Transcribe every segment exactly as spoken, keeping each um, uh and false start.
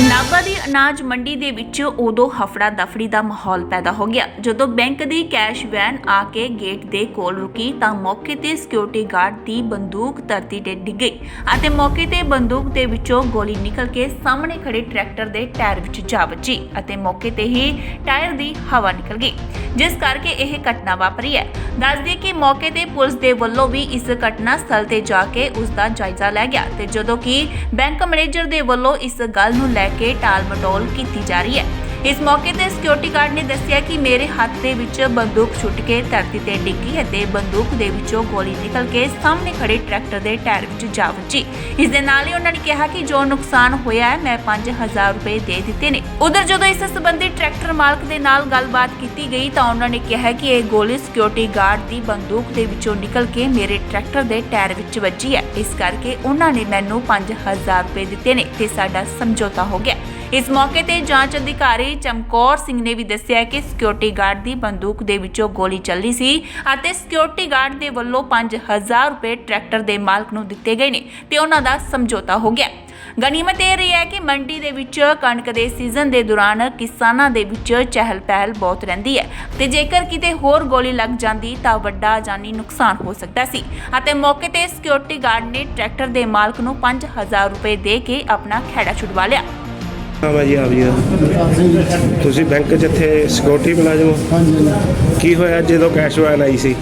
ਨਾਭਾ ਦੀ ਅਨਾਜ ਮੰਡੀ ਦੇ ਵਿੱਚ ਉਦੋਂ ਹਫੜਾ ਦਫੜੀ ਦਾ ਮਾਹੌਲ ਪੈਦਾ ਹੋ ਗਿਆ ਜਦੋਂ ਬੈਂਕ ਦੀ ਕੈਸ਼ ਵੈਨ ਆ ਕੇ ਗੇਟ ਦੇ ਕੋਲ ਰੁਕੀ ਤਾਂ ਮੌਕੇ ਤੇ ਸਿਕਿਉਰਿਟੀ ਗਾਰਡ ਦੀ ਬੰਦੂਕ ਧਰਤੀ ਤੇ ਡਿੱਗ ਗਈ ਅਤੇ ਮੌਕੇ ਤੇ ਬੰਦੂਕ ਦੇ ਵਿੱਚੋਂ ਗੋਲੀ ਨਿਕਲ ਕੇ ਸਾਹਮਣੇ ਖੜੇ ਟਰੈਕਟਰ ਦੇ ਟਾਇਰ ਵਿੱਚ ਜਾ ਵੱਜੀ ਅਤੇ ਮੌਕੇ ਤੇ ਹੀ ਟਾਇਰ ਦੀ ਹਵਾ ਨਿਕਲ ਗਈ, ਜਿਸ ਕਰਕੇ ਇਹ ਘਟਨਾ ਵਾਪਰੀ ਹੈ। ਦੱਸ ਦਈਏ ਕਿ ਮੌਕੇ ਤੇ ਪੁਲਿਸ ਦੇ ਵੱਲੋਂ ਵੀ ਇਸ ਘਟਨਾ ਸਥਲ ਤੇ ਜਾ ਕੇ ਉਸ ਦਾ ਜਾਇਜ਼ਾ ਲਿਆ ਗਿਆ ਤੇ ਜਦੋਂ ਕਿ ਬੈਂਕ ਮੈਨੇਜਰ ਦੇ ਵੱਲੋਂ ਇਸ ਗੱਲ ਨੂੰ ਲੈ ਕੇ ਟਾਲ ਮਟੋਲ ਕੀਤੀ ਜਾ ਰਹੀ ਹੈ। ਇਸ ਮੌਕੇ ਤੇ ਸਿਕਿਉਰਿਟੀ ਗਾਰਡ ਨੇ ਦੱਸਿਆ ਕਿ ਮੇਰੇ ਹੱਥ ਦੇ ਵਿੱਚ ਬੰਦੂਕ ਛੁੱਟ ਕੇ ਧਰਤੀ ਤੇ ਡਿੱਗੀ ਅਤੇ ਬੰਦੂਕ ਦੇ ਵਿੱਚੋਂ ਗੋਲੀ ਨਿਕਲ ਕੇ ਸਾਹਮਣੇ ਖੜੇ ਟਰੈਕਟਰ ਦੇ ਟਾਇਰ ਵਿੱਚ ਜਾ ਵੱਜੀ। ਇਸ ਦੇ ਨਾਲ ਹੀ ਉਹਨਾਂ ਨੇ ਕਿਹਾ ਕਿ ਜੋ ਨੁਕਸਾਨ ਹੋਇਆ ਹੈ ਮੈਂ ਪੰਜ ਹਜ਼ਾਰ ਰੁਪਏ ਦੇ ਦਿੱਤੇ ਨੇ। ਉਧਰ ਜਦੋਂ ਇਸ ਸੰਬੰਧੀ ਟਰੈਕਟਰ ਮਾਲਕ ਦੇ ਨਾਲ ਗੱਲਬਾਤ ਕੀਤੀ ਗਈ ਤਾਂ ਉਹਨਾਂ ਨੇ ਕਿਹਾ ਕਿ ਇਹ ਗੋਲੀ ਸਿਕਿਉਰਿਟੀ ਗਾਰਡ ਦੀ ਬੰਦੂਕ ਦੇ ਵਿੱਚੋਂ ਨਿਕਲ ਕੇ ਮੇਰੇ ਟਰੈਕਟਰ ਦੇ ਟਾਇਰ ਵਿੱਚ ਵੱਜੀ ਹੈ, ਇਸ ਕਰਕੇ ਉਹਨਾਂ ਨੇ ਮੈਨੂੰ ਪੰਜ ਹਜ਼ਾਰ ਰੁਪਏ ਦਿੱਤੇ ਨੇ ਤੇ ਸਾਡਾ ਸਮਝੌਤਾ ਹੋ ਗਿਆ। ਇਸ ਮੌਕੇ ਤੇ ਜਾਂਚ ਅਧਿਕਾਰੀ ਚਮਕੌਰ ਸਿੰਘ ਨੇ ਵੀ ਦੱਸਿਆ ਕਿ ਸਿਕਿਉਰਿਟੀ ਗਾਰਡ ਦੀ ਬੰਦੂਕ ਦੇ ਵਿੱਚੋਂ ਗੋਲੀ ਚੱਲੀ ਸੀ ਅਤੇ ਸਿਕਿਉਰਿਟੀ ਗਾਰਡ ਦੇ ਵੱਲੋਂ ਪੰਜ ਹਜ਼ਾਰ ਰੁਪਏ ਟਰੈਕਟਰ ਦੇ ਮਾਲਕ ਨੂੰ ਦਿੱਤੇ ਗਏ ਨੇ ਤੇ ਉਹਨਾਂ ਦਾ ਸਮਝੌਤਾ ਹੋ ਗਿਆ। ਗਨੀਮਤ ਇਹ ਰਹੀ ਹੈ ਕਿ ਮੰਡੀ ਦੇ ਵਿੱਚ ਕਣਕ ਦੇ ਸੀਜ਼ਨ ਦੇ ਦੌਰਾਨ ਕਿਸਾਨਾਂ ਦੇ ਵਿੱਚ ਚਹਿਲ ਪਹਿਲ ਬਹੁਤ ਰਹਿੰਦੀ ਹੈ ਤੇ ਜੇਕਰ ਕਿਤੇ ਹੋਰ ਗੋਲੀ ਲੱਗ ਜਾਂਦੀ ਤਾਂ ਵੱਡਾ ਜਾਨੀ ਨੁਕਸਾਨ ਹੋ ਸਕਦਾ ਸੀ ਅਤੇ ਮੌਕੇ ਤੇ ਸਿਕਿਉਰਿਟੀ ਗਾਰਡ ਨੇ ਟਰੈਕਟਰ ਦੇ ਮਾਲਕ ਨੂੰ ਪੰਜ ਹਜ਼ਾਰ ਰੁਪਏ ਦੇ ਕੇ ਆਪਣਾ ਖਹਿੜਾ ਛੁਡਵਾ ਲਿਆ। ਹਾਂ ਭਾਜੀ ਆਪ ਜੀ ਦਾ ਤੁਸੀਂ ਬੈਂਕ 'ਚ ਇੱਥੇ ਸਿਕਿਉਰਿਟੀ ਮੁਲਾਜ਼ਮ ਹੋ? ਕੀ ਹੋਇਆ ਜਦੋਂ ਕੈਸ਼ ਵੈਨ ਆਈ ਸੀ?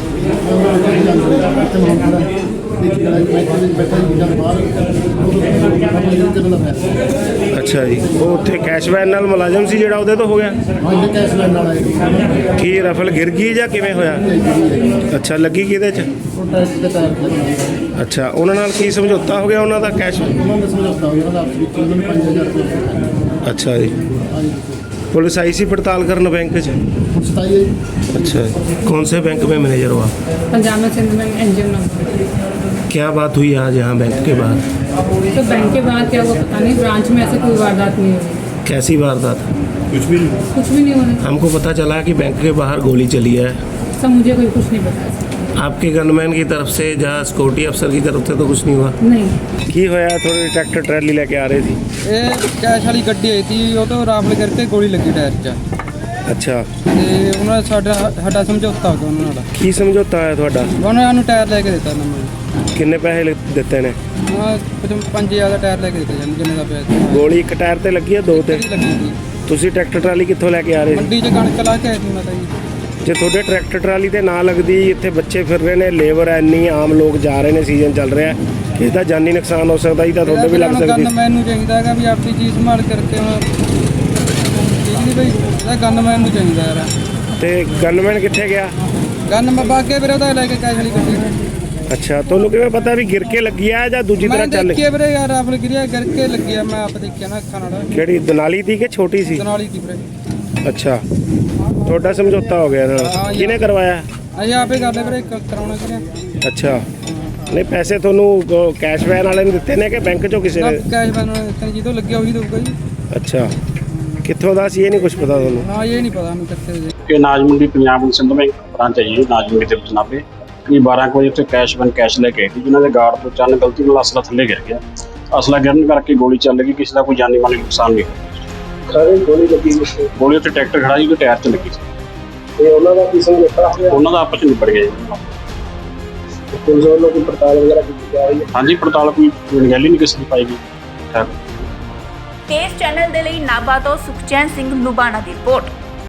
ਅੱਛਾ ਜੀ, ਉਹ ਉੱਥੇ ਕੈਸ਼ ਵੈਨ ਨਾਲ ਮੁਲਾਜ਼ਮ ਸੀ ਜਿਹੜਾ ਉਹਦੇ ਤੋਂ ਹੋ ਗਿਆ? ਕੀ ਰਫਲ ਗਿਰ ਗਈ ਜਾਂ ਕਿਵੇਂ ਹੋਇਆ? ਅੱਛਾ, ਲੱਗੀ ਕਿਹਦੇ 'ਚ? ਅੱਛਾ, ਉਹਨਾਂ ਨਾਲ ਕੀ ਸਮਝੌਤਾ ਹੋ ਗਿਆ ਉਹਨਾਂ ਦਾ? ਕੈਸ਼ अच्छा जी, पुलिस आई सी पड़ताल करना बैंक च? अच्छा, कौन से बैंक में मैनेजर हो आप? पंजाब में सिंध बैंक एनजीओ नंबर। क्या बात हुई आज यहाँ बैंक के बाहर? तो बैंक के बाहर क्या हुआ पता नहीं, ब्रांच में ऐसे कोई वारदात नहीं हुई। कैसी वारदात? कुछ भी नहीं कुछ भी नहीं होने। हमको पता चला कि बैंक के बाहर गोली चली है। सब मुझे कोई कुछ नहीं पता। आपके गनमैन की तरफ से या सिक्योरिटी अफसर की तरफ से तो कुछ नहीं हुआ? नहीं। की होया? थोड़ी ट्रैक्टर ट्रैली लेके आ रही थी? ਇਹ ਕੈਸ਼ ਵਾਲੀ ਗੱਡੀ ਆਈ ਸੀ, ਉਹ ਤੋਂ ਰਾਫਲ ਕਰਕੇ ਗੋਲੀ ਲੱਗੀ ਟਾਇਰ 'ਚ ਅੱਛਾ, ਤੇ ਉਹਨਾਂ ਸਾਡਾ ਸਾਡਾ ਸਮਝੌਤਾ ਹੋ ਗਿਆ ਉਹਨਾਂ ਨਾਲ। ਕੀ ਸਮਝੌਤਾ ਹੈ ਤੁਹਾਡਾ? ਉਹਨਾਂ ਸਾਨੂੰ ਟਾਇਰ ਲੈ ਕੇ ਦਿੱਤਾ ਨੰਬਰ। ਕਿੰਨੇ ਪੈਸੇ ਲ- ਦਿੱਤੇ ਨੇ? ਹਾਂ, ਪੰਜ ਹਜ਼ਾਰ ਦਾ ਟਾਇਰ ਲੈ ਕੇ ਦਿੱਤਾ ਜਾਨ ਜਿੰਨੇ ਦਾ ਪਿਆ ਸੀ। ਗੋਲੀ ਇੱਕ ਟਾਇਰ ਤੇ ਲੱਗੀ ਹੈ, ਦੋ ਤੇ? ਕਿਹੜੀ ਲੱਗੀ ਸੀ? ਤੁਸੀਂ ਟਰੈਕਟਰ ਟਰਾਲੀ ਕਿੱਥੋਂ ਲੈ ਕੇ ਆ ਰਹੇ ਸੀ? ਮੰਡੀ 'ਚ ਕਣਕ ਲਾ ਕੇ ਆਏ ਸੀ ਮਾਤਾ ਜੀ। ਜੇ ਤੁਹਾਡੇ ਟਰੈਕਟਰ ਟਰਾਲੀ ਤੇ ਨਾ ਲੱਗਦੀ, ਇੱਥੇ ਬੱਚੇ ਫਿਰ ਰਹੇ ਨੇ, ਲੇਬਰ ਐਨੀ, ਆਮ ਲੋਕ ਜਾ ਰਹੇ ਨੇ, ਸੀਜ਼ਨ ਚੱਲ ਰਿਹਾ, ਕਿਸੇ ਦਾ ਜਾਨੀ ਨੁਕਸਾਨ ਹੋ ਸਕਦਾ ਹੀ, ਤਾਂ ਤੁਹਾਡੇ ਵੀ ਲੱਗ ਸਕਦੀ। ਗਨਮੈਨ ਨੂੰ ਚਾਹੀਦਾ ਹੈਗਾ ਵੀ ਆਪਣੀ ਚੀਜ਼ ਸੰਭਾਲ ਕਰਕੇ ਹੁਣ ਠੀਕ ਨਹੀਂ ਬਈ, ਇਹਦਾ ਗਨਮੈਨ ਨੂੰ ਚਾਹੀਦਾ ਯਾਰ। ਤੇ ਗਨਮੈਨ ਕਿੱਥੇ ਗਿਆ? ਗਨ ਮੈਂ ਬਾਗੇ ਵੀਰੇ ਉਹਦਾ ਲੈ ਕੇ ਕੈਸ਼ ਵਾਲੀ ਗੱਡੀ। ਅੱਛਾ, ਤੁਹਾਨੂੰ ਕਿਵੇਂ ਪਤਾ ਵੀ ਗਿਰ ਕੇ ਲੱਗੀ ਆ ਜਾਂ ਦੂਜੀ ਤਰ੍ਹਾਂ ਮੈਂ ਚੱਲ? ਦੇਖੀਏ ਵੀਰੇ ਯਾਰ, ਰਾਫਲ ਗਿਰਿਆ ਕਰਕੇ ਲੱਗੀ ਆ, ਮੈਂ ਆਪ ਦੇਖਿਆ ਨਾ ਅੱਖਾਂ ਨਾਲ। ਕਿਹੜੀ ਦਨਾਲੀ ਦੀ ਕਿ ਛੋਟੀ ਸੀ? ਦਨਾਲੀ ਦੀ ਵੀਰੇ। ਅੱਛਾ, ਤੁਹਾਡਾ ਸਮਝੌਤਾ ਹੋ ਗਿਆ ਇਹਨਾਂ ਨਾਲ? ਕਿਹਨੇ ਕਰਵਾਇਆ? ਅਸੀਂ ਆਪੇ ਕਰ ਲੈ ਵੀਰੇ, ਕਰਾਉਣਾ ਕਿਹਨੇ। ਅੱਛਾ, ਨਹੀਂ ਪੈਸੇ ਤੁਹਾਨੂੰ ਕੈਸ਼ ਵੈਨ ਵਾਲੇ ਨੇ ਦਿੱਤੇ ਨੇ ਕਿ ਬੈਂਕ ਚੋਂ ਕਿਸੇ ਨੇ? ਕੈਸ਼ ਬੈਨ ਤੈਨੂੰ ਜਦੋਂ ਲੱਗਿਆ ਉਹੀ ਦਊਗਾ ਜੀ। ਅੱਛਾ, ਕਿੱਥੋਂ ਦਾ ਸੀ ਇਹ ਨਹੀਂ ਕੁਝ ਪਤਾ ਤੁਹਾਨੂੰ? ਨਾ ਇਹ ਨਹੀਂ ਪਤਾ ਮੈਨੂੰ ਕਿੱਥੇ ਦੇ। ਇਹ ਅਨਾਜ ਮੰਡੀ ਪੰਜਾਬ ਦੀ ਸਿੰਧ ਬੈਂਕ ਬ੍ਰਾਂਚ ਹੈ ਜੀ, ਅਨਾਜ ਮੰਡੀ ਦੇ ਵਿੱਚ ਨਾਭੇ। ਕਿ ਬਾਰਾਂ ਕੁ ਵਜੇ ਉੱਥੇ ਕੈਸ਼ ਵੈਨ ਕੈਸ਼ ਲੈ ਕੇ ਆਈ ਸੀ, ਜਿਨ੍ਹਾਂ ਦੇ ਗਾਰਡ ਤੋਂ ਚੰਨ ਗਲਤੀ ਨਾਲ ਅਸਲਾ ਥੱਲੇ ਗਿਰ ਗਿਆ। ਅਸਲਾ ਗਿਰਨ ਕਰਕੇ ਗੋਲੀ ਚੱਲ ਗਈ, ਕਿਸੇ ਦਾ ਕੋਈ ਜਾਨੀ ਮਾਲੀ ਨੁਕਸਾਨ ਨਹੀਂ ਹੋਇਆ। ਸਾਰੇ ਗੋਲੀ ਲੱਗੀ ਸੀ? ਗੋਲੀ ਉੱਥੇ ਟਰੈਕਟਰ ਖੜਾ ਸੀ, ਉਹਦੇ ਟਾਇਰ 'ਚ ਲੱਗੀ ਸੀ। ਤੇ ਉਹਨਾਂ ਦਾ ਕੀ ਸਮਝੌਤਾ ਹੋਇਆ? ਉਹਨਾਂ ਦਾ ਆਪਸ 'ਚ ਨਿਬੜ ਗਿਆ ਜੀ। ਪੁਲਿਸ ਵੱਲੋਂ ਕੋਈ ਪੜਤਾਲ ਵਗੈਰਾ ਕੀਤੀ ਜਾ ਰਹੀ ਹੈ? ਹਾਂਜੀ, ਪੜਤਾਲ ਕੋਈ ਅਣਗਹਿਲੀ ਨਹੀਂ ਕਿਸੇ ਦੀ ਪਾਈ ਗਈ। ਠੀਕ। ਇਸ ਚੈਨਲ ਦੇ ਲਈ ਨਾਭਾ ਤੋਂ ਸੁਖਚੈਨ ਸਿੰਘ ਲੁਬਾਣਾ ਦੀ ਰਿਪੋਰਟ।